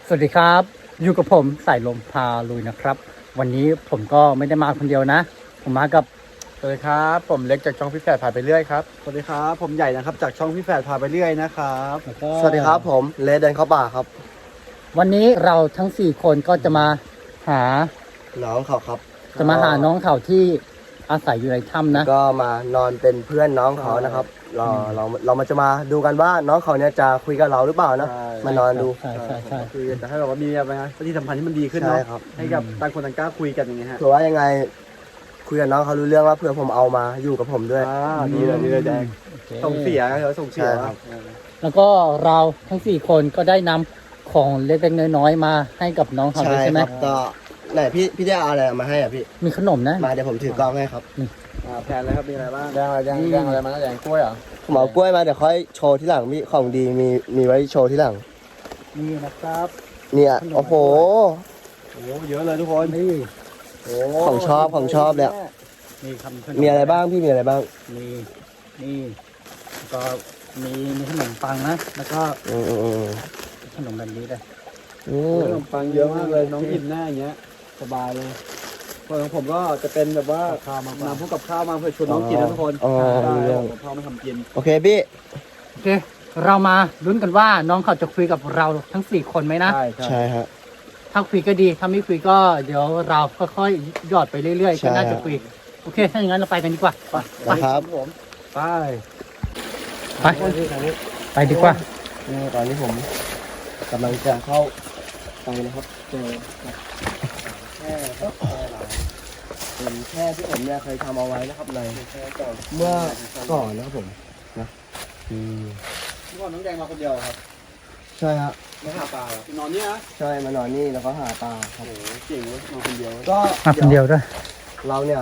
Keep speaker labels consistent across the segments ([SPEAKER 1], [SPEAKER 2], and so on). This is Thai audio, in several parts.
[SPEAKER 1] สวัสดีครับอยู่กับผมสายลมพาลุยนะครับวันนี้ผมก็ไม่ได้มาคนเดียวนะผมมากับ
[SPEAKER 2] สวัสดีครับผมเล็กจากช่องพี่แฝดพาไปเรื่อยครับ
[SPEAKER 3] สวัสดีครับผมใหญ่นะครับจากช่องพี่แฝดพาไปเรื่อยนะครับ
[SPEAKER 1] แล้วก็
[SPEAKER 2] สวัสดีครับผมเลเดินเข้าป่าครับ
[SPEAKER 1] วันนี้เราทั้ง4คนก็จะมาหา
[SPEAKER 2] น้องเขาครับ
[SPEAKER 1] น้องเขาที่อาศัยอยู่ในถ้ำนะ
[SPEAKER 2] ก็มานอนเป็นเพื่อนน้องเขานะครับเรามาจะมาดูกันว่าน้องเขาเนี่ยจะคุยกับเราหรือเปล่านะมานอนดู
[SPEAKER 1] ใช่
[SPEAKER 3] คือจะให้แบบว่ามีอะไรนะที่สัมพันธ์ที่มันดีขึ้นเนาะ
[SPEAKER 2] ใช่ครับ
[SPEAKER 3] ให้กับต่างคนต่างกล้าคุยกันอย่างเงี้ยฮะ
[SPEAKER 2] เผื่อว่ายังไงคุยกับน้องเขารู้เรื่องว่าเผื่อผมเอามาอยู่กับผมด้วย
[SPEAKER 3] ดีเลยแดง
[SPEAKER 1] โอเค
[SPEAKER 3] ส่งเสียเหรอส่งเสีย
[SPEAKER 2] ใช่ครับ
[SPEAKER 1] แล้วก็เราทั้ง4คนก็ได้นำของเล็กๆน้อยๆมาให้กับน้องเขาด้วยใช่ไหม
[SPEAKER 2] ครับก็ไหนพี่ได้เอาอะไรมาให้อ่ะพี่
[SPEAKER 1] มีขนมนะ
[SPEAKER 2] มาเดี๋ยวผมถือกล้องให้ครับ
[SPEAKER 3] แผนเลยครับมีอะไรบ้าง
[SPEAKER 2] แดงอะไรมาแดงกล้วยเหรอผมเอากล้วยมาเดี๋ยวค่อยโชว์ที่หลังมีของดีมีไว้โชว์ที่หลัง
[SPEAKER 3] นี่นะครับ
[SPEAKER 2] เนี่ยโอ้โห
[SPEAKER 3] โอ้เยอะเลยทุกคน
[SPEAKER 1] นี่
[SPEAKER 2] ของชอบเนี่ย
[SPEAKER 1] มีขน
[SPEAKER 2] มีอะไรบ้างพี่มีอะไรบ้าง
[SPEAKER 1] มีนี่ก็มีขนมปังนะแล้วก็
[SPEAKER 2] อืม
[SPEAKER 1] ขนมแบบนี้เลย
[SPEAKER 3] ขนมปังเยอะมากเลยน้องอิ่มแน่อย่างเงี้ยสบายเลยส่วนของผมก็จะเป็นแบบว่า
[SPEAKER 1] ข้าวมาน
[SPEAKER 3] ำพวกกับข้าวมาเพื่อชวนน้องกินนะทุกคน
[SPEAKER 2] อ๋อ
[SPEAKER 3] ได้
[SPEAKER 2] รู้เรื่อง
[SPEAKER 3] ผมพ่อมาทำกิน
[SPEAKER 2] โอเคพี่
[SPEAKER 1] โอเคเรามาลุ้นกันว่าน้องเขาจะคุยกับเราทั้ง4คนไหมนะ
[SPEAKER 2] ใช่ฮะ
[SPEAKER 1] ถ้าคุยก็ดีถ้าไม่คุยก็เดี๋ยวเราค่อยๆหยอดไปเรื่อยๆ
[SPEAKER 2] ใช่
[SPEAKER 1] ก็น่าจะคุยโอเคถ้าอย่างนั้นเราไปกันดีกว่าไป
[SPEAKER 2] นะครับ
[SPEAKER 3] ผมไป
[SPEAKER 1] ไปไปดีกว่า
[SPEAKER 2] นี่ตอนนี้ผมกำลังจะเข้าไปนะครับเจอแค่ครับเป็นแค่ที่ผมเนี่ยเคยทำเอาไว้นะครับในเมื่อก่อนนะครับผมนะ
[SPEAKER 3] เมื่อก่อนน้องแดงมาคนเดียวครับ
[SPEAKER 2] ใช่ฮะ
[SPEAKER 3] มาหาปลาเหรอนอนเนี่ยนะ
[SPEAKER 2] ใช่มานอนนี่แล้วก็หาปลาครับ
[SPEAKER 3] โอ้โหเก่งเว้ยมาคนเดียว
[SPEAKER 2] ก็
[SPEAKER 1] มาคนเดียวด้วย
[SPEAKER 2] เราเนี่ย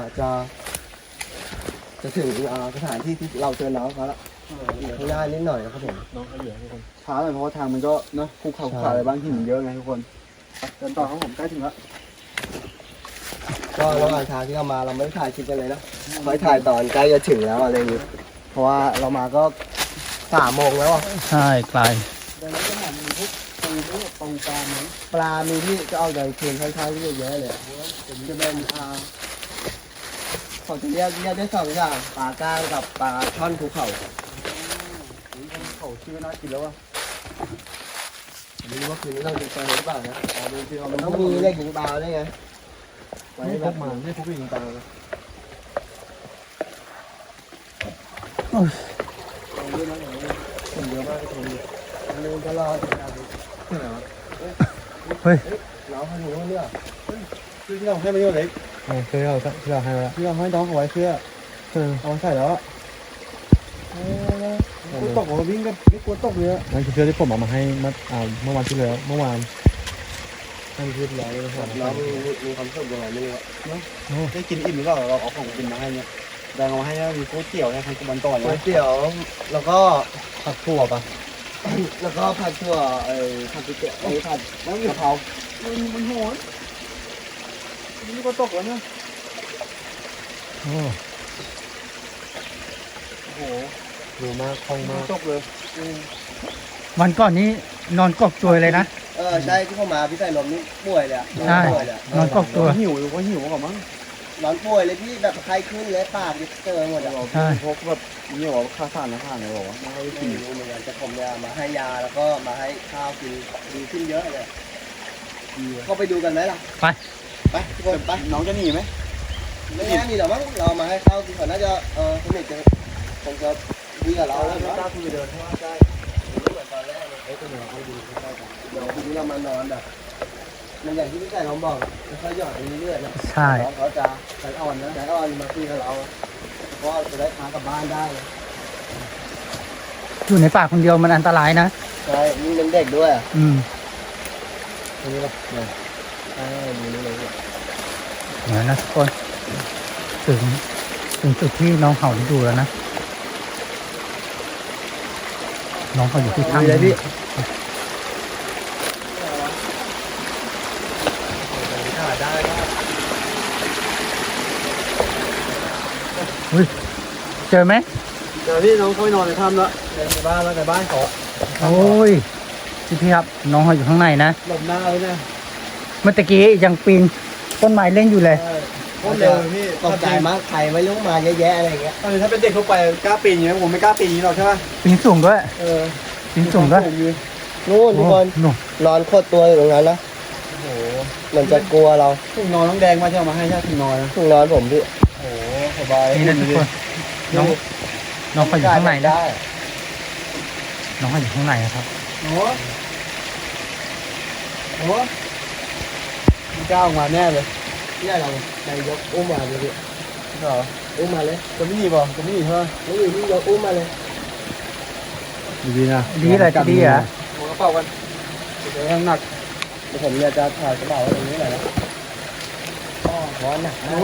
[SPEAKER 2] จะถึงสถานที่ที่เราเจอน้องเขาละข้างหน้านิดหน่อยนะครับผม
[SPEAKER 3] น้องเขาเหลือทุกคนช้าหน่อยเพราะว่าทางมันก็นะภูเขาอะไรบ้างหินเยอะไงทุกคนเดินต่อครับผมใกล้ถึงแล้ว
[SPEAKER 2] ก็ระหว่างทางที่เรามาเราไม่ได้ถ่ายคลิปกันเลยนะคอยถ่ายตอนใกล้จะถึงแล้วอะไรอย่างนี้เพราะว่าเรามาก็3 โมงแล้วอ่ะ
[SPEAKER 1] ใช่ไกล
[SPEAKER 3] เดินแล้วจะหามีพวกปูปลาไหม
[SPEAKER 2] ปลามีที่จะเอาใจคืนค่อนข้างที่จะเยอะเลยผมจะเป็นเขาจะเรียกได้2 อย่างปลาก้างกับปลาช่อนภูเขา
[SPEAKER 3] เขาชื่อน่ากินแล้วอ่ะ
[SPEAKER 2] ไม่รู้ว่าคืนนี้เราจะไปหรือเปล่านะ
[SPEAKER 3] ดูที่เรา
[SPEAKER 2] มันต้องมีเลขยิงปลาด้วยไง
[SPEAKER 3] ไม่พกมาไม่พกยิงปลาเลย
[SPEAKER 2] คนเยอะมากคนนึงก็รอด
[SPEAKER 1] เฮ้ย
[SPEAKER 2] น้องเขาอยู่นู่นเนี่ย
[SPEAKER 3] คือที่เราให้มาเยอะเล็ก
[SPEAKER 1] เคยเราให้แล้ว
[SPEAKER 3] ที่เราให้น้องเอาไว้เสื้อเอาใส่แล้วกลัวตกเราวิ่งก็ไม่กลัวตกเลย
[SPEAKER 4] นั่นคือเสื้อที่ผมเอามาให้เมื่อวันที่แล้วเมื่อวาน
[SPEAKER 3] นั่นคือร้อยเลยครับ
[SPEAKER 2] น้องมีความสุขยังไงไม่รู้อะ
[SPEAKER 3] ได้กินอิ่มหรือเปล่าเราเอาของกินมาให้เนี่ยแดงเอาให้มีก๋วยเตี๋ยวนะทางกุบันก่อน
[SPEAKER 2] ก๋ว
[SPEAKER 3] นะ
[SPEAKER 2] ยเตี๋ยวแล้วก็
[SPEAKER 4] ผักถั่วปะ
[SPEAKER 2] แล้วก็ผัดถั่วผัดก๋วยเตี๋ยวผัด
[SPEAKER 3] แล้วกะเพรามันโหดนี่ก็ตกแล้วเนี่ย
[SPEAKER 4] โอ้
[SPEAKER 3] โอ้โห
[SPEAKER 4] ดูมากคล่องมาก
[SPEAKER 3] ตกเลย
[SPEAKER 1] วันก่อนนี้นอนกอกตัวเลยนะ
[SPEAKER 2] ใช่ที่เข้ามาพี่ใส่ลมนี่ป่วยเลยอะ
[SPEAKER 1] ใช่
[SPEAKER 2] ป่วยเลยอะ
[SPEAKER 1] นอนกอกตัว
[SPEAKER 3] หิวหรือว่าหิวก่อนมั้ง
[SPEAKER 2] นอนป่วยเลยพี่แบบไข้ขึ้นเลยปากเจอหมดอะ
[SPEAKER 1] ใช่
[SPEAKER 3] พกแบบนี่หรอค่าสารอาหารเลยหรอไม่ให้
[SPEAKER 2] ไม่
[SPEAKER 3] กิน
[SPEAKER 2] รู้เหมือนกันแต่ผมเนี่ยมาให้ยาแล้วก็มาให้ข้าวกินดีขึ้นเยอะเลยเข้าไปดูกันไหมล่ะ
[SPEAKER 1] ไป
[SPEAKER 2] ไปทุกคนไป
[SPEAKER 3] น้องจะหนีไหม
[SPEAKER 2] ไม่น่ามีหรอกมั้งเรามาให้ข้าวกินก่อนน่าจะสนิทกันคงจะดีกับเราแล้ว
[SPEAKER 3] ไม่
[SPEAKER 2] นะ
[SPEAKER 3] กล้าคุยเดินเพราะว่า
[SPEAKER 2] ใช่ไม่เหมือนตอนแรกเลยตัวเหนือเขาดีใกล้ๆกันเดี๋ยวทีนี้เรามานอนแบบมันอย่างที่พี่ใส่ลมบอกค่อยๆหยอดไปเรื่อยๆนะ
[SPEAKER 1] ใช่
[SPEAKER 2] น้องเขาจะใจอ่อนนะใจอ่อนมาคุยกับเราเพราะจะได้พากลับบ้านได้
[SPEAKER 1] อยู่ในป่าคนเดียวมันอันตรายนะ
[SPEAKER 2] ใช่นี่เป็นเด็กด้วย
[SPEAKER 1] อืม
[SPEAKER 2] ตรงนี้ป่ะเนี่ยใช่ดูนี่เลย
[SPEAKER 1] เดี๋ยวนะทุกคนถึงจุดที่น้องเขาอยู่แล้วนะน้องเขาอยู่ที่ถ้ำ
[SPEAKER 2] เลยพี่
[SPEAKER 1] เฮ้ยเจอไหม
[SPEAKER 3] เดี๋ยวพี่น้องค่อยนอนในถ้ำแล้วในบ้านแล้วในบ้านเขา
[SPEAKER 1] โอ้ยพี่ครับน้องเขาอยู่ข้างในนะ
[SPEAKER 3] หลบหน้าเลยเนี่ย
[SPEAKER 1] เมื่อตะกี้ยังปีนต้นไม้เล่นอยู่เลย
[SPEAKER 3] ใช่โคตรเร็วเลยพี่
[SPEAKER 2] ตกใจมากใครไม่รู้มาเยอะแยะอะไรอย่างเงี้ย
[SPEAKER 3] ถ้าเป็นเด็กทั่วไปกล้าปีนอย่างเงี้ยผมไม่กล้าปีนอย่างนี้หรอกใช่ไหม
[SPEAKER 1] ปีนสูงด้วย
[SPEAKER 3] เออ
[SPEAKER 1] ปีนสูงด้วย
[SPEAKER 3] ผมอยู่
[SPEAKER 2] นู่นทุกคน
[SPEAKER 1] โอ้หนู
[SPEAKER 2] นอนโคตรตัวอยู่ตรงนั้นนะ
[SPEAKER 3] โอ้โห
[SPEAKER 2] เหมือนจะกลัวเรา
[SPEAKER 3] ถุงนอนน้องแดงมาที่เอามาให้ใช่ถุงนอนนะ
[SPEAKER 2] ถุงนอนผมพี่
[SPEAKER 3] โอ้โหสบาย
[SPEAKER 1] นี่นะทุกคนน้องน้องเขาอยู่ข้างในนะ
[SPEAKER 2] ได้
[SPEAKER 1] น้องเขาอยู่ข้างในนะครับ
[SPEAKER 3] โอ้โหโอ้โหมันกล้าออกมาแน่เลย
[SPEAKER 2] เนี่ยเราไปยกอุ้มมาเลยพี่
[SPEAKER 3] เหรอ
[SPEAKER 2] อุ้มมาเลย
[SPEAKER 3] จะไม่หนีบเหรอจะไม่หนีใช่ไหม
[SPEAKER 2] ไม่อยู่ที่ยกอุ้มมาเลย
[SPEAKER 3] ดีๆนะ
[SPEAKER 1] ดีเลยจะดีเหรอ
[SPEAKER 3] หัวกระเป๋ากันเดี๋ยวข้างหนัก
[SPEAKER 2] เดี๋ยวผมเนี่ยจะถ่ายกระเป๋าไว้ตรงนี้หน่อยนะก็ร้อนหนักมาก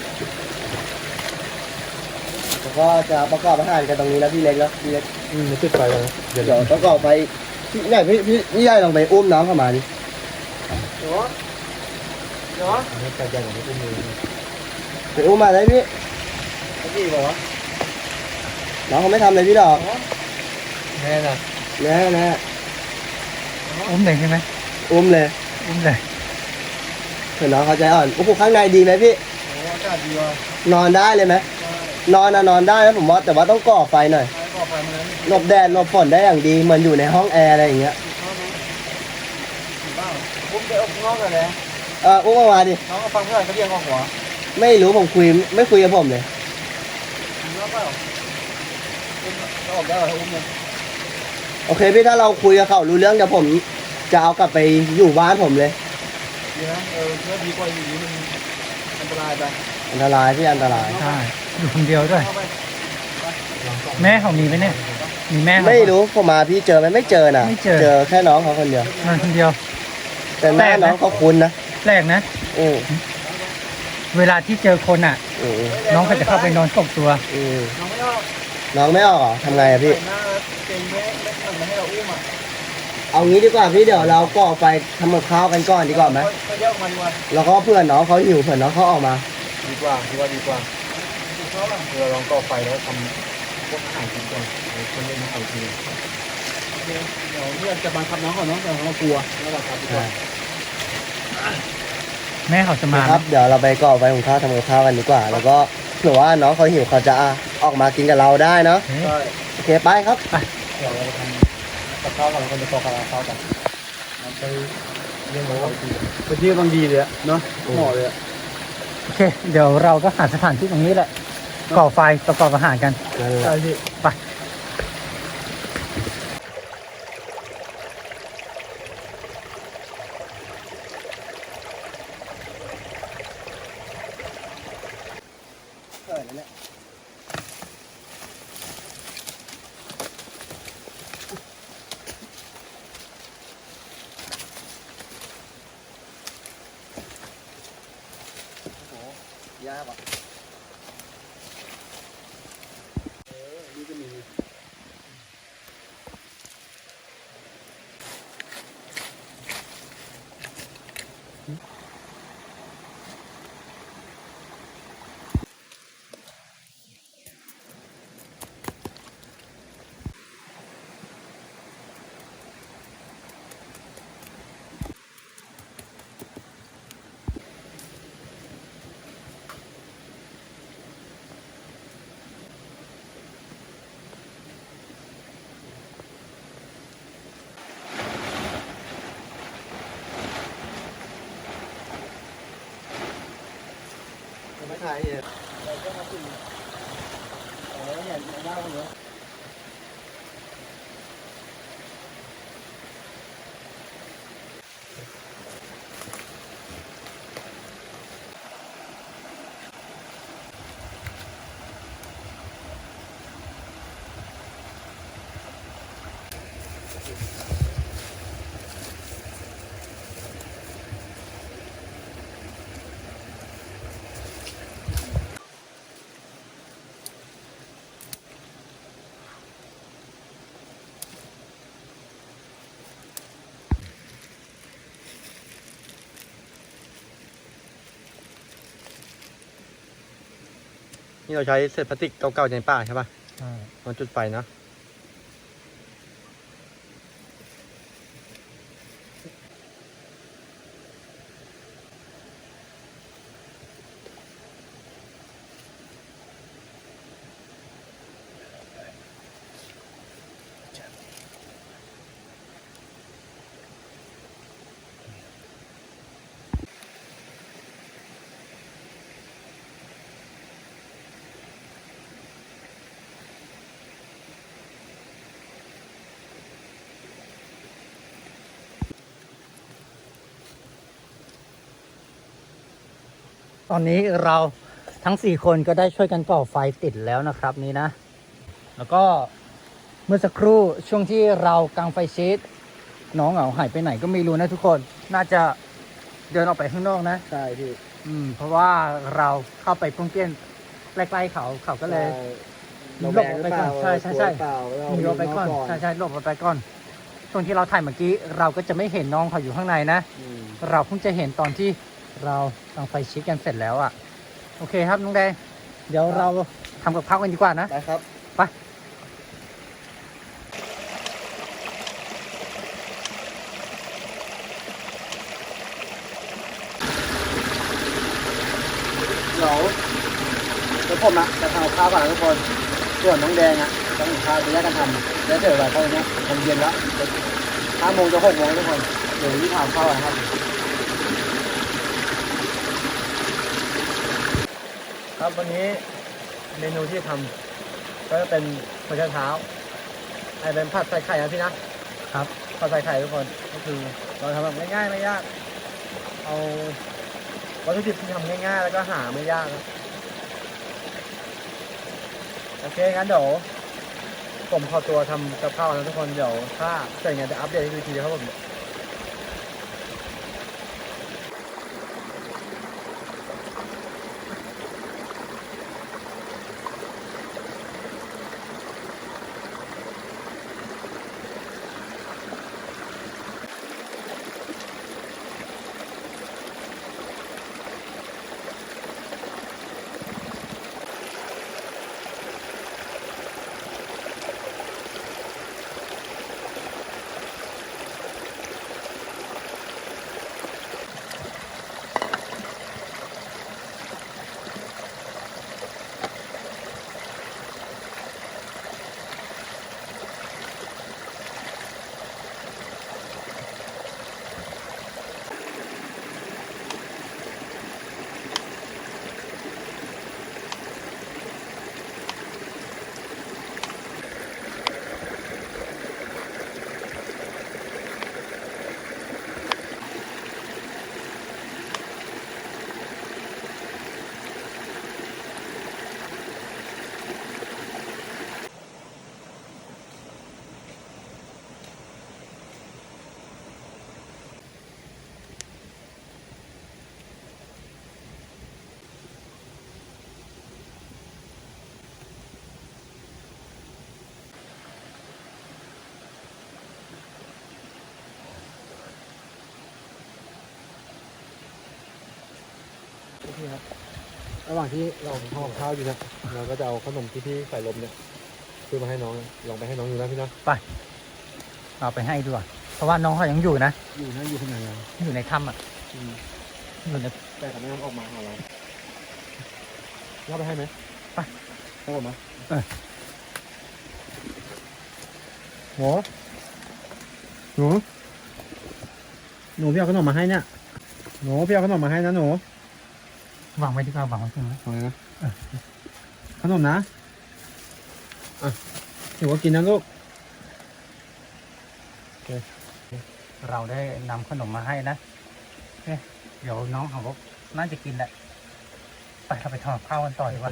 [SPEAKER 2] แล้วก็จะประกอบอาหารกันตรงนี้แล้วพี่เล็กแล้วพี่เล็ก
[SPEAKER 3] ไม่ติดไฟกันนะเดี๋ยว
[SPEAKER 2] เดี๋ยวประกอบไปพี่ใหญ่พี่ใหญ่ลองไปอุ้มน้องเข้ามาดิ
[SPEAKER 3] เดี๋ยวเดี๋ยว
[SPEAKER 4] ให้ใจใหญ่กว่านี้ก็มี
[SPEAKER 2] ไปอุ้มมาเลยพี่
[SPEAKER 3] จะดีป่าวะ
[SPEAKER 2] น้องเขาไม่ทำอะไรพี่ดอก
[SPEAKER 3] แน่นะ
[SPEAKER 2] แน่แน่
[SPEAKER 1] อุ้มเลยใช่ไหม
[SPEAKER 2] อุ้มเลย
[SPEAKER 1] อุ้มเลย
[SPEAKER 2] เผื่อน้องเขาใจอ่อนโอ้โหข้างในดีไหมพี่
[SPEAKER 3] โอ้อากาศดีว่ะ
[SPEAKER 2] นอนได้เลยไหมนอนนะนอนได้นะผมว่าแต่ว่าต้องก่อไฟหน่อย
[SPEAKER 3] ไฟก่อไฟมาแล้วนี่
[SPEAKER 2] หลบแดดหลบฝนได้อย่างดีเหมือนอยู่ในห้องแอร์อะไรอย่างเงี้ย
[SPEAKER 3] เข้าไหมถึงบ้างผมจะเอางอกกันแล้ว
[SPEAKER 2] อุ้มมาดิ
[SPEAKER 3] น้องเอาฟังเพื่อนเขาเรียกงอกหัว
[SPEAKER 2] ไม่รู้ผมคุยไม่คุยกับผมเลย
[SPEAKER 3] ถึงแล้วเปล่าเราออกได้เหรออุ้มเลย
[SPEAKER 2] โอเคพี่ถ้าเราคุยกับเขารู้เรื่องเดี๋ยวผมจะเอากลับไปอยู่บ้านผมเลย
[SPEAKER 3] ดีนะเพื่อดีกว่าอยู่นี้มันอันตรายไป
[SPEAKER 2] อันตรายพี่อันตราย
[SPEAKER 1] ใช่อยู่คนเดียวด้วย
[SPEAKER 3] เข้าไป
[SPEAKER 1] แม่เขามีไหมเนี่ยมีแม่เขา
[SPEAKER 2] ไม่รู้ผมมาพี่เจอไหมไม่เจอนะ
[SPEAKER 1] ไม่เจอ
[SPEAKER 2] เจอแค่น้องเขาคนเดียว
[SPEAKER 1] นอนคนเดียว
[SPEAKER 2] แต่หน้า
[SPEAKER 1] แปลกนะ
[SPEAKER 2] น้องเขาคุ้นนะ
[SPEAKER 1] แปลกนะ
[SPEAKER 2] อือ
[SPEAKER 1] เวลาที่เจอคนอ่ะ
[SPEAKER 2] อือ
[SPEAKER 1] น้องเขาจะเข้าไปนอนกบตัว
[SPEAKER 2] อือ
[SPEAKER 3] น้องไม่ออก
[SPEAKER 2] น้องไม่ออกเหรอทำไงอะพี่
[SPEAKER 3] หน้าเก่งไม่ให้เราอุ้มอ่ะ
[SPEAKER 2] เอางี้ดีกว่าพี่เดี๋ยวเราก่อไฟทำกับข้าวกันก่อนดีกว่าไหม
[SPEAKER 3] ไปเยอะมาดีกว่า
[SPEAKER 2] แล้วก็เพื่อนน้องเขาหิวเพื่อนน้องเขาออกมา
[SPEAKER 4] ดีกว่าดีกว่าดีกว่า
[SPEAKER 3] ชอบอ่ะ
[SPEAKER 4] เราลองก่อไฟแล้วทำพวกอาหารกินก่อนเดี๋ยวคนเล่นมาเอาที
[SPEAKER 3] เดี๋ยวเพื่อนจะบังคับน้องก่อนเนาะแต่เรากลัวแล้วบังคับดีกว่า
[SPEAKER 1] แม่เขาจะมา
[SPEAKER 2] ครับเดี๋ยวเราไปก่อไฟหุงข้าวทำกับข้าวกันดีกว่า แล้วก็เผื่อว่าน้องเขาหิวเขาจะออกมากินกับเราได้เนาะ
[SPEAKER 1] เฮ้ย
[SPEAKER 3] ใช่
[SPEAKER 2] โอเคไปครับ
[SPEAKER 4] เดี๋ยวเราทำกับข้าวก่อนแล้วก็จะก่อข้าวกันมันไปเรื่องของเราที
[SPEAKER 3] ไปที่บางดีเลยอะเนาะเหมาะเลยอะ
[SPEAKER 1] โอเค เดี๋ยวเราก็หาสถานที่ตรงนี้แหละ ก่อไฟประกอบอาหารกัน
[SPEAKER 2] นั่นแห
[SPEAKER 3] ใช่
[SPEAKER 2] ละ
[SPEAKER 3] พี่
[SPEAKER 1] ไป
[SPEAKER 2] ยากอ่ะ
[SPEAKER 3] นี่ก็มี
[SPEAKER 2] ไม่ถ่ายเนี่ยเราก็มาถึงแล้วเนี่ยหน้าคนเนี้ย
[SPEAKER 4] นี่เราใช้เศษพลาสติกเก่าๆในป่าใช่ป่ะ
[SPEAKER 1] ใช่
[SPEAKER 4] มันจุดไฟนะ
[SPEAKER 1] อนนี้เราทั้ง4คนก็ได้ช่วยกันก่อไฟติดแล้วนะครับนี่นะแล้วก็เมื่อสักครู่ช่วงที่เรากางไฟชีตน้องเหงาหายไปไหนก็ไม่รู้นะทุกคนน่าจะเดินออกไปข้างนอกนะ
[SPEAKER 2] ใช่พี่
[SPEAKER 1] เพราะว่าเราเข้าไปป้องเปี้ยนใกล้ๆเขาก็เลย
[SPEAKER 2] เราแบกหรือเปล่า
[SPEAKER 1] ใช่ใช่ใช่
[SPEAKER 2] เปล่าเรา
[SPEAKER 1] หลบไปก่อนใช่ใช่หลบไปก่อนช่วงที่เราถ่ายเมื่อกี้เราก็จะไม่เห็นน้องเขาอยู่ข้างในนะ
[SPEAKER 2] อืม
[SPEAKER 1] เราเพิ่งจะเห็นตอนที่เรากางไฟชิดกันเสร็จแล้วอ่ะโอเคครับน้องแดงเดี๋ยวเราทำกับข้าวกันดีกว่านะ
[SPEAKER 2] ได้ครับ
[SPEAKER 1] ไปเดี๋ยวผมอะจะทำกับข้าวก่อนนะทุกคนส่วนน้องแดงอะต้องหุงข้าวจะแยกกันทำแล้วเดี๋ยวเราตอนนี้มันเย็นแล้ว5 โมงจะ6 โมงทุกคนเดี๋ยวที่ทำข้าวนะครับครับวันนี้เมนูที่ทำก็จะเป็นหัวไชเท้าเป็นผัดใส่ไข่นะพี่นะครับผัดใส่ไข่ทุกคนก็คือเราทำแบบง่ายๆไม่ยากเอาวัตถุดิบที่ทำง่ายๆแล้วก็หาไม่ยากนะโอเคงั้นเดี๋ยวผมขอตัวทำกับข้าวนะทุกคนเดี๋ยวถ้าเสร็จงานจะอัปเดตให้ดูทีครับผมพี่ครับระหว่างที่เราทำกับข้าวอยู่นะเราก็จะเอาขนมที่พี่ใส่ลมเนี่ยซื้อมาให้น้องลองไปให้น้องดูนะพี่นะไปเอาไปให้ด้วยเพราะว่าน้องเขายังอยู่นะอยู่ข้างในอยู่ในถ้ำอ่ะอยู่ในแต่เขาไม่ยอมออกมาหาเราเอาไปให้ไหมไปให้ผมไหมหนูพี่เอาขนมมาให้เนี่ยหนูพี่เอาขนมมาให้นะหนูวางไว้ดีกว่าวางไว้ตรงนั้นวางไว้นะขนมนะหนูก็กินนะลูกโอเคเราได้นำขนมมาให้นะเดี๋ยวน้องเขาก็น่าจะกินแหละไปเราไปทำข้าวกันต่อดีกว่า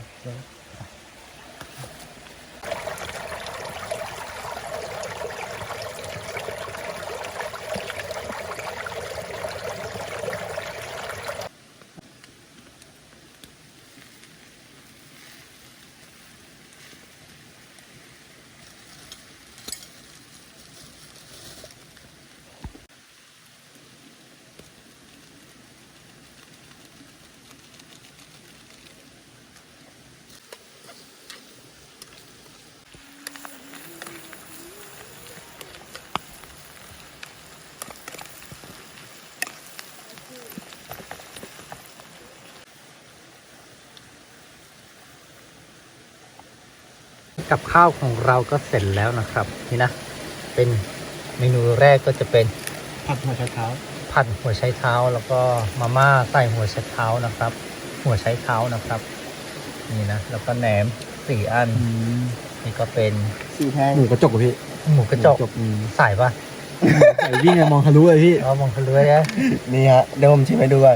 [SPEAKER 1] กับข้าวของเราก็เสร็จแล้วนะครับนี่นะเป็นเมนูแรกก็จะเป็นผัดหัวไชเท้าแล้วก็มาม่าใส่หัวไชเท้านะครับหัวไชเท้านะครับนี่นะแล้วก็แหนม4 อันนี่ก็เป็น
[SPEAKER 2] 4 แพง
[SPEAKER 3] หมูกระจกพี่
[SPEAKER 1] หมูกระจกใส่ปะ
[SPEAKER 3] ใส่วิ่งมองทะลุเลยพี่
[SPEAKER 1] มองทะลุเลยนะ
[SPEAKER 2] นี่ฮะเดี๋ยวผมชิมให้ดูก่อน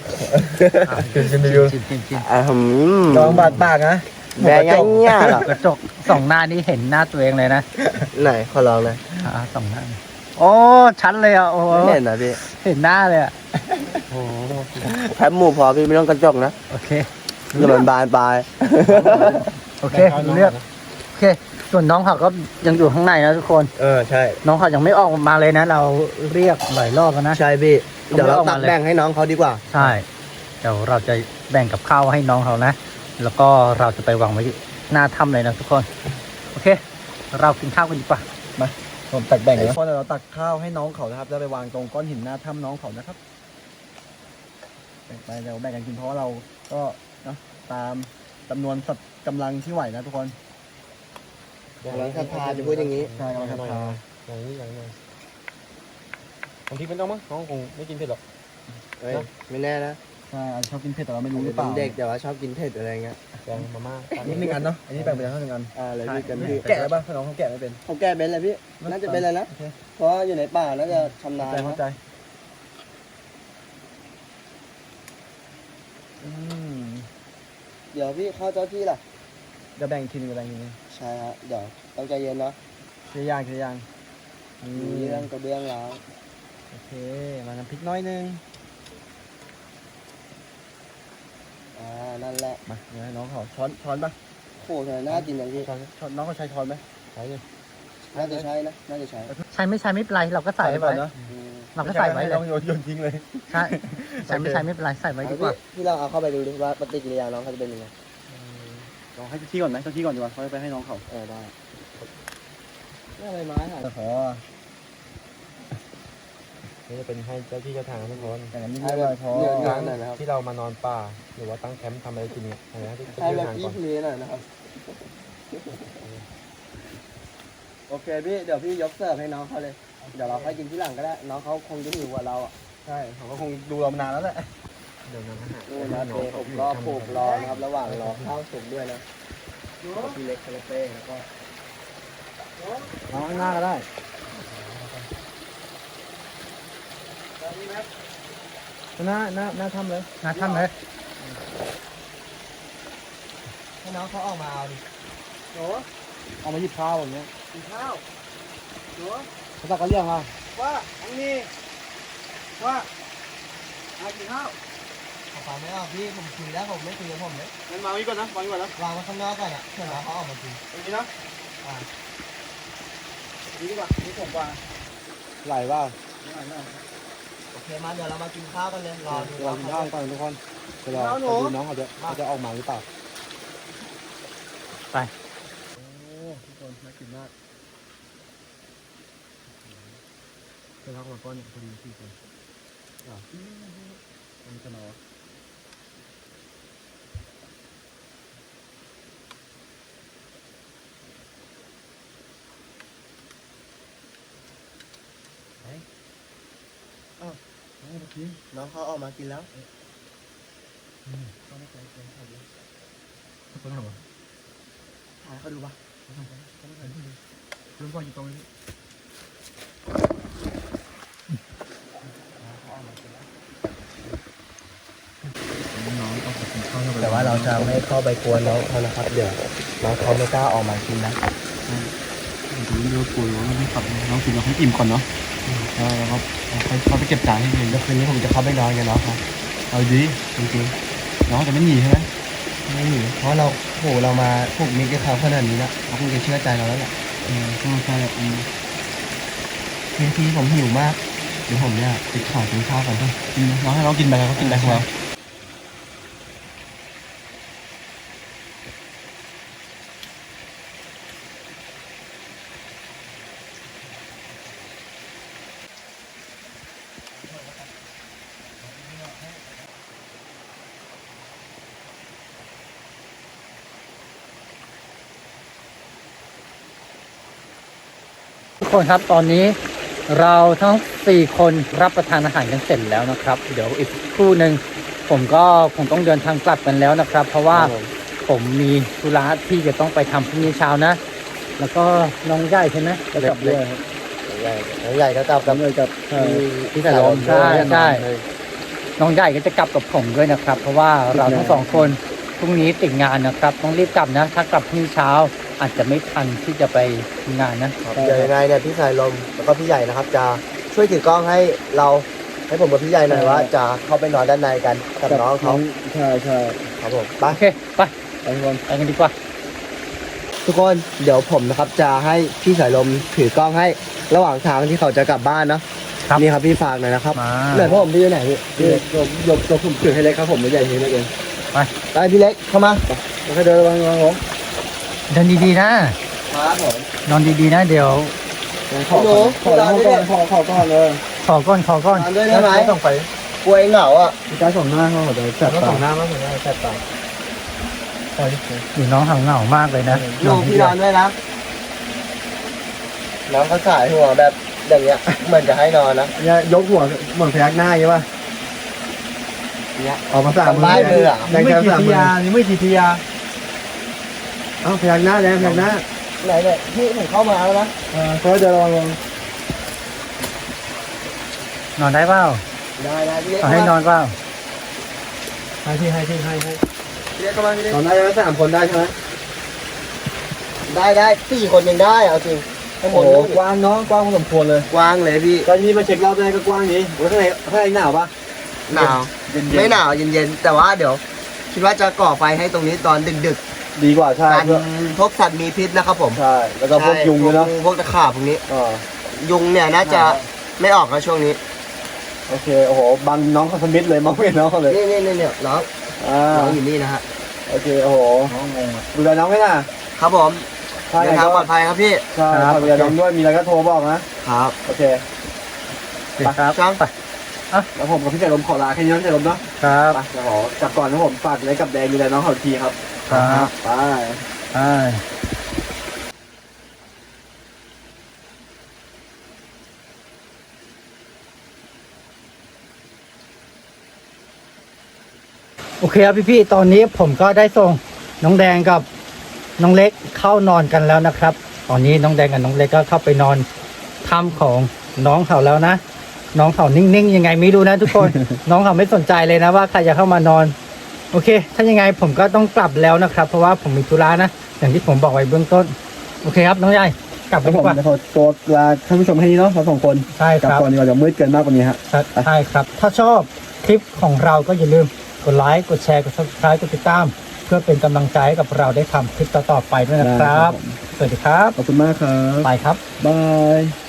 [SPEAKER 1] ชิมชิม
[SPEAKER 3] ลองบาดปากนะ
[SPEAKER 2] แบงง่ายเงี้ยหรอก
[SPEAKER 1] ระจกส่องหน้านี่เห็นหน้าตัวเองเลยนะ
[SPEAKER 2] ไหนขอลองเลย
[SPEAKER 1] ส่องหน้าโอ้ชัดเลยอ่ะโอ้
[SPEAKER 2] ไม่เห็นนะพี่
[SPEAKER 1] เห็นหน้าเลยอ่ะ
[SPEAKER 2] แคบหมูพอพี่ไม่ต้องกระจกนะ
[SPEAKER 1] โอเค
[SPEAKER 2] เดี๋ยวมันบานปลาย
[SPEAKER 1] โอเครู้เรื่องโอเค ส่วนน้องเขาก็ยังอยู่ข้างในนะทุกคน
[SPEAKER 2] ใช่
[SPEAKER 1] น้องเขายังไม่ออกมาเลยนะ เราเรียกหลายรอบแล้วนะ
[SPEAKER 2] ใช่พี่
[SPEAKER 1] ผม
[SPEAKER 2] เดี๋ยวเรา
[SPEAKER 1] ไม่เอา
[SPEAKER 2] ตั
[SPEAKER 1] มาก เลย
[SPEAKER 2] แบ่งให้น้องเขาดีกว่า
[SPEAKER 1] ใช่เดี๋ยวเราจะแบ่งกับข้าวให้น้องเขานะ แล้วก็เราจะไปวางไว้หน้าถ้ำเลยนะทุกคน โอเค เรากินข้าวกันดีกว่า
[SPEAKER 3] ผมตักแบ่งนะพอเราตักข้าวให้น้องเขานะครับแล้วไปวางตรงก้อนหินหน้าถ้ำน้องเขานะครับแบ่งไปเดี๋ยวแบ่งกันกินเพราะว่าเราก็นะตามจำนวนสัตว์กำลังที่ไหวนะทุกคน
[SPEAKER 2] กำลังศรัทธาจะพูดอย่างนี้
[SPEAKER 3] ใช่กำลังศรัทธา
[SPEAKER 4] อย่างนี้บางทีไม่ต้องมั้งน้องคงไม่กินเผ็ดหรอก
[SPEAKER 2] เฮ้ยไม่แน่นะ
[SPEAKER 3] ใช่อาจจะชอบกินเผ็ดแต่เราไม่รู้หรือเป
[SPEAKER 2] เป็
[SPEAKER 3] ล่าน
[SPEAKER 2] เด็กแต่ว่าชอบกินเผ็ดอะไรเงี้ย
[SPEAKER 4] แกงมาม่า
[SPEAKER 3] อันนี้หนึ่งอันเนาะอันนี้แบ่งไปแล้วหนึ่งอัน
[SPEAKER 2] เลยพี่กันพี่
[SPEAKER 3] แกะได้ป่ะถ้าน้องเขาแกะไม่เป็น
[SPEAKER 2] เขาแก้เป็นอะไรพี่น่าจะเป็นอะไรนะ
[SPEAKER 3] โอเค
[SPEAKER 2] เพราะอยู่ในป่าน่าจะชำนาญ
[SPEAKER 3] เข้าใจ
[SPEAKER 2] นะ
[SPEAKER 3] อืม
[SPEAKER 2] เดี๋ยวพี่เข้าเจ้าที่ล่ะ
[SPEAKER 3] เดี๋ยวแบ่งอีกทีหนึงเดี๋ยวแบ่งอีกทีหนึง
[SPEAKER 2] ใช่ฮะเดี๋ยวต้องใจเย็นเนาะ
[SPEAKER 3] ทีละอย่างทีละอย่าง
[SPEAKER 2] มีเรื่องกระเบื้องล้าง
[SPEAKER 3] โอเคมาน้ำพริกน้อยนึง
[SPEAKER 2] นั่นแหละ
[SPEAKER 3] มาเดี๋ยวให้น้องเขาช้อนป่ะ
[SPEAKER 2] โอ้โหทำไมน่ากินอย่างพี่
[SPEAKER 3] ช้อนน้องเขาใช้ช้อนไหม
[SPEAKER 4] ใช่เลย
[SPEAKER 2] น่าจะใช้นะน่าจะใช้
[SPEAKER 1] ใช้ไม่ใช้ไม่เป็นไร เราก็ใส่
[SPEAKER 3] ก่
[SPEAKER 1] ไว้
[SPEAKER 3] อนเนาะ
[SPEAKER 2] อืม
[SPEAKER 1] เราก็ใส่ไว้เลย
[SPEAKER 3] ต้องโยนทิ้งเลย
[SPEAKER 1] ใช่ใช้ไม่ใช้ไม่เป็นไร ใส่ไว้ดีกว่า
[SPEAKER 2] พี่ลองเอาเข้าไปดูดิว่าปฏิกิริยาน้องเขาจะเป็นยังไง
[SPEAKER 3] ลองให้ที่ก่อนไหมเจ้าที่ก่อนดีกว่าเขาไปให้น้องเขา
[SPEAKER 2] ได้นี่อะไรไม้หาย
[SPEAKER 3] ขอ
[SPEAKER 4] นี่จะเป็นให้เจ้าที่เจ้าทางทุกคน
[SPEAKER 3] แต่น้ำนิดหน่อยพอ
[SPEAKER 2] เนื้อหน่อยนะครับ
[SPEAKER 4] ที่เรามานอนป่าหรือว่าตั้งแคมป์ทำอะไรกินเนี่ยอะไรนะที่
[SPEAKER 2] ให้
[SPEAKER 4] ที่
[SPEAKER 2] แบบ
[SPEAKER 4] ทาง
[SPEAKER 2] ยี่
[SPEAKER 4] ก่อน
[SPEAKER 2] ทะเลหน่อยนะครับโอเคพี่เดี๋ยวพี่ยกเสิร์ฟให้น้องเขาเลยเดี๋ยวเราค่อยกินที่หลังก็ได้น้องเขาคงจะหิวกว่าเราอ่ะ
[SPEAKER 3] ใช่เขาก็คงดูเรามานานแล้วแหละ
[SPEAKER 4] เดี๋ยวนำอาหาร
[SPEAKER 2] นู่นนะเตผมก็ปลูกรอนะครับระหว่างรอข้าวสุกด้วยนะพี่เล็กคาราเต้แล้วก็
[SPEAKER 3] น้องข้างหน้าก็ได้หน้าทำเลย
[SPEAKER 1] หน้าถ้ำเลย
[SPEAKER 2] ให้น้องเขาออกมาเอาดิโห
[SPEAKER 3] เอามาหยิบข้าวอย่างเงี้ย
[SPEAKER 2] กินข้าวโห
[SPEAKER 3] เขาตักกระเลี่ยงอ่ะ
[SPEAKER 2] ว่าอันนี้ว่าเอากินข้าวเอาฟังไม่ออกพี่ผมคุยแล้วผมไม่คุยกับผมเลย
[SPEAKER 3] งั้นวางไว้ก่อนนะวางไว้ก่อนนะ
[SPEAKER 2] วางไว้ข้างนอกก่อนอ่ะเพื่อน้องเขาออกมากิน
[SPEAKER 3] ตรงนี้นะ
[SPEAKER 2] ดีกว่า
[SPEAKER 3] นี่ผมกว่าไหลว่า
[SPEAKER 2] โอเคมาเดี๋ยวเรามากินข้าวกันเลยรอดู
[SPEAKER 3] เรากินข้าวก่อนทุกคนเดี๋ยวเราดูน้องเขาจะออกมาหรือเปล่า
[SPEAKER 1] ไป
[SPEAKER 3] โอ้ทุกคนน่ากินมากเดี๋ยวเรามาก้อนเนี่ยพอดีที่คนอันนี้จะนอ
[SPEAKER 2] น้องเขาออกมากินแล้ว
[SPEAKER 3] คนหัว
[SPEAKER 2] ถ่ายเขาดูปะ
[SPEAKER 3] รุ่นพ่ออยู่ตรงนี้
[SPEAKER 2] แต่ว่าเราจะไม่เข้าไปกวนน้องเขานะครับเดี๋ยวน้องเขาไม่กล้าออกมากินนะ
[SPEAKER 3] ผมจะเลือกปุ๋ยว่าไม่ขับน้องกินเราให้อิ่มก่อนเนาะแล้วก็เขาไปเก็บจานให้เอง
[SPEAKER 2] เดี๋ยวคืนนี้ผมจะเข้าไปนอนกับน้องเขา
[SPEAKER 3] เอาดีจริงๆน้องจะไม่หนีใช่ไหม
[SPEAKER 2] ไม่หนีเพราะเราโหเรามาผูกมิตรกับเขาขนาดนี้แล้วเขาคงจะเชื่อใจเราแล้วแหละ
[SPEAKER 3] ใช่
[SPEAKER 2] ทีผมหิวมากเดี๋ยวผมเนี่ยติดขอกินข้าวก่อนเถอะ
[SPEAKER 3] น้องให้น้องกินไปแล้วก็กินไปของเรา
[SPEAKER 1] ทุกคนครับตอนนี้เราทั้ง4คนรับประทานอาหารกันเสร็จแล้วนะครับ เดี๋ยวอีกครู่หนึ่งผมก็คงต้องเดินทางกลับกันแล้วนะครับ เพราะว่าผมมีธุระที่จะต้องไปทำพรุ่งนี้เช้านะ แล้วก็น้องใหญ่ใช่ไหม
[SPEAKER 3] จะกลับด้วย
[SPEAKER 2] ใหญ่ก็กลับ
[SPEAKER 3] กลับเลยกับ
[SPEAKER 2] ที่
[SPEAKER 1] แต่ลมใช่ใช่น้องใหญ่ก็จะกลับกับผมด้วยนะครับ เพราะว่าเราทั้งสองคนพรุ่งนี้ติดงานนะครับ ต้องรีบกลับนะ ถ้ากลับพรุ่งนี้เช้าอาจจะไม่ทันที่จะไปงานนะ
[SPEAKER 2] เดี๋ยวยังไงเนี่ยพี่สายลมแล้วก็พี่ใหญ่นะครับ จะช่วยถือกล้องให้เราให้ผมกับพี่ใหญ่หน่อยว่าจะเข้าไปนอนด้านในกันกับน้องเขา
[SPEAKER 3] ใช่ใช่
[SPEAKER 2] ครับผมไป
[SPEAKER 1] โอเคไป
[SPEAKER 3] ไปทุกคน
[SPEAKER 1] ไปกันดีกว่า
[SPEAKER 2] ทุกคนเดี๋ยวผมนะครับจะให้พี่สายลมถือกล้องให้ระหว่างทางที่เขาจะกลับบ้านเนาะ
[SPEAKER 1] ครับ
[SPEAKER 2] นี่ครับพี่ฝากหน่อยนะครับ
[SPEAKER 1] มา
[SPEAKER 2] ไหนพ่อผมพี่อยู่ไหนพี่
[SPEAKER 3] พี่ยกผมถือให้เล็กครับผมไม่ใหญ่ทีเล็กเอง
[SPEAKER 2] ไปพี่เล็กเข้ามา
[SPEAKER 3] แล้วก็เดินระวังผม
[SPEAKER 1] เดินดีๆนะครับ
[SPEAKER 2] ผม
[SPEAKER 1] นอนดีๆนะเดี๋ยว
[SPEAKER 3] ขอก่อนเลย
[SPEAKER 1] ขอก้อน
[SPEAKER 2] นอนด้วยได้ไหม
[SPEAKER 3] ต้องไป
[SPEAKER 2] กลัวเหงาอ่ะ
[SPEAKER 3] พี่กายส่งหน้าเขาหัวใจแสบ
[SPEAKER 4] แล้ว
[SPEAKER 3] ตา
[SPEAKER 4] สองหน้ามั้งเหมือนกันแสบตา
[SPEAKER 1] อยู่น้องเหงามากเลยนะ
[SPEAKER 2] ลูกพี่นอนด้วยนะน้องเขาสายหัวแบบอย่างเงี้ยเหมือนจะให้นอนนะ
[SPEAKER 3] เนี่ยยกหัวเหมือนพยักหน้าใช่ป่ะ
[SPEAKER 2] เนี่ย
[SPEAKER 3] ออกมาสาม
[SPEAKER 2] ทำร้ายมืออะ
[SPEAKER 3] แดง
[SPEAKER 4] ไม่
[SPEAKER 3] แก้ว
[SPEAKER 4] กี่
[SPEAKER 3] สาม
[SPEAKER 4] ที
[SPEAKER 3] มือย
[SPEAKER 4] านี่ไม่กี่ทียา
[SPEAKER 3] เอ้าพยักหน้าแดงพยักหน้า
[SPEAKER 2] ไหนเนี่ยพี่ผมเข้ามาแล้วนะ
[SPEAKER 3] เขาเดินระวัง
[SPEAKER 1] นอนได้เปล่า
[SPEAKER 2] ได้พี่เล็ก
[SPEAKER 1] เอาให้นอนเปล่า
[SPEAKER 4] ให้พี่
[SPEAKER 2] พี่เล็กเข้ามาพี่เล็ก
[SPEAKER 3] นอนได้ไหม3 คนได้ใช่ไหม
[SPEAKER 2] ได้4 คนยังได้เอาจริงข้างบ
[SPEAKER 3] โอ้
[SPEAKER 2] น
[SPEAKER 3] โห
[SPEAKER 2] นู้น
[SPEAKER 3] กว้างน้องกว้างพอสมควรเลย
[SPEAKER 2] กว้างเลยพี่
[SPEAKER 3] ตอนนี้มาเช็ครอบแรกก็กว้างนี้แล้วข้างในหนาวปะ
[SPEAKER 2] หนาว
[SPEAKER 3] เย็น
[SPEAKER 2] ไม่หนาวเย็นๆแต่ว่าเดี๋ยว คิดว่าจะก่อไฟให้ตรงนี้ตอนดึก
[SPEAKER 3] ดีกว่า
[SPEAKER 2] ๆ
[SPEAKER 3] ใช่
[SPEAKER 2] กัน
[SPEAKER 3] เพื่อ
[SPEAKER 2] พวกสัตว์มีพิษนะครับผม
[SPEAKER 3] ใช่แล้วก็พวกยุงด้วยเนาะ
[SPEAKER 2] พวกตะขาบพวกนี้
[SPEAKER 3] อ๋อ
[SPEAKER 2] ยุงเนี่ยน่าจะไม่ออกนะช่วงนี้
[SPEAKER 3] โอเคโอ้โหบังน้องเขาสมิธเลยมองไม่เห็นน้องเขาเลย
[SPEAKER 2] นี่เนี่ยน้อง
[SPEAKER 3] อ่า
[SPEAKER 2] น้องอยู่นี่นะฮะ
[SPEAKER 3] โอเคโอ้โห
[SPEAKER 4] น้องงงอ่ะ
[SPEAKER 3] ดูแลน้องไหมล่ะ
[SPEAKER 2] ครับผม
[SPEAKER 3] ใช่
[SPEAKER 2] เดินทางปลอดภัยครับพี่
[SPEAKER 3] ใช่ดูแลน้องด้วยมีอะไรก็โทรบอกนะครับ โอเค
[SPEAKER 1] ครับ
[SPEAKER 2] ช่าง
[SPEAKER 1] ไป
[SPEAKER 3] แล้วผมกับพี่เจริญขอลาแค่นี้นะพี่เจริญเนาะ
[SPEAKER 1] ครับ
[SPEAKER 3] ไปเดี๋ยวขอกลับก่อนนะผมฝากอะไรกับแดงดูแลน้องเขาอีกทีครับ
[SPEAKER 1] ครับ
[SPEAKER 3] ไป
[SPEAKER 1] ไปโอเคครับพี่ๆตอนนี้ผมก็ได้ส่งน้องแดงกับน้องเล็กเข้านอนกันแล้วนะครับ ตอนนี้น้องแดงกับน้องเล็กก็เข้าไปนอนถ้ำของน้องเขาแล้วนะ น้องเขานิ่งๆยังไงไม่รู้นะทุกคน น้องเขาไม่สนใจเลยนะว่าใครจะเข้ามานอน โอเค ถ้ายังไงผมก็ต้องกลับแล้วนะครับ เพราะว่าผมมีธุระนะ อย่างที่ผมบอกไว้เบื้องต้น โอเคครับน้องใหญ่กลับไป
[SPEAKER 3] แล้ว
[SPEAKER 1] ดี
[SPEAKER 3] ผม
[SPEAKER 1] กว่า
[SPEAKER 3] จะขอตัวลาท่านผู้ชมแค่นี้เนาะเรา2 คน
[SPEAKER 1] ใช่
[SPEAKER 3] กลับ
[SPEAKER 1] ครับ
[SPEAKER 3] ก่อนดีกว่าเดี๋ยวมืดเกินมากกว่านี้ฮะ
[SPEAKER 1] ใช่ครับ ถ้าชอบคลิปของเราก็อย่าลืมกดไลค์ กดแชร์ กด subscribe กดติดตาม เพื่อเป็นกำลังใจให้กับเราได้ทำคลิปต่อๆไปด้วยนะครับ สวัสดีครับ
[SPEAKER 3] ขอบคุณมากครับ
[SPEAKER 1] ไปครับ
[SPEAKER 3] บาย